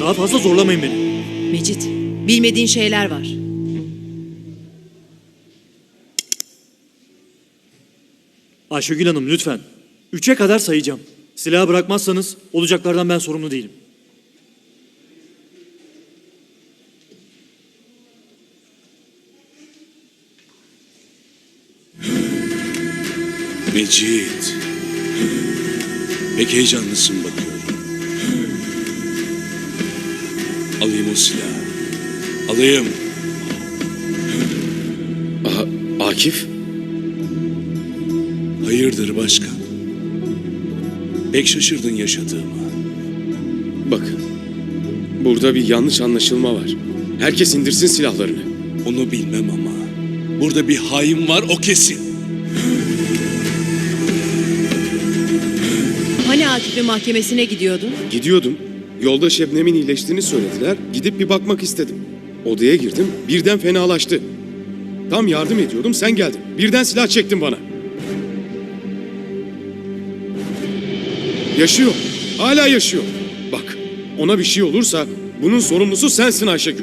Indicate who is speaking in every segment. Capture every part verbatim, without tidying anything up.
Speaker 1: Daha fazla zorlamayın beni.
Speaker 2: Mecit, bilmediğin şeyler var.
Speaker 1: Ayşegül Hanım lütfen. Üçe kadar sayacağım. Silahı bırakmazsanız olacaklardan ben sorumlu değilim.
Speaker 3: Mecit. Pek heyecanlısın bakıyorum. Alayım o silahı. Alayım.
Speaker 4: Aha, Akif?
Speaker 3: Hayırdır başkan? Pek şaşırdın yaşadığıma.
Speaker 4: Bakın, burada bir yanlış anlaşılma var. Herkes indirsin silahlarını.
Speaker 3: Onu bilmem ama burada bir hain var, o kesin.
Speaker 2: Hani Akif'in mahkemesine gidiyordun?
Speaker 4: Gidiyordum. Yolda Şebnem'in iyileştiğini söylediler. Gidip bir bakmak istedim. Odaya girdim. Birden fenalaştı. Tam yardım ediyordum. Sen geldin. Birden silah çektin bana. Yaşıyor. Hala yaşıyor. Bak, ona bir şey olursa bunun sorumlusu sensin Ayşegül.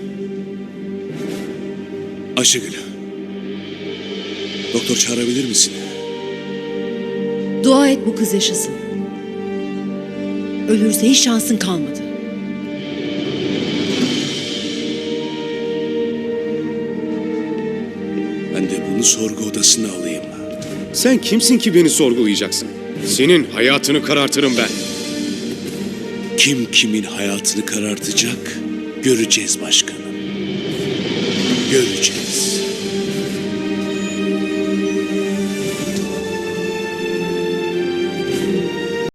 Speaker 3: Ayşegül. Doktor çağırabilir misin?
Speaker 2: Dua et bu kız yaşasın. Ölürse hiç şansın kalmadı.
Speaker 3: Ben de bunu sorgu odasına alayım.
Speaker 4: Sen kimsin ki beni sorgulayacaksın? Senin hayatını karartırım ben.
Speaker 3: Kim kimin hayatını karartacak göreceğiz başkanım. Göreceğiz.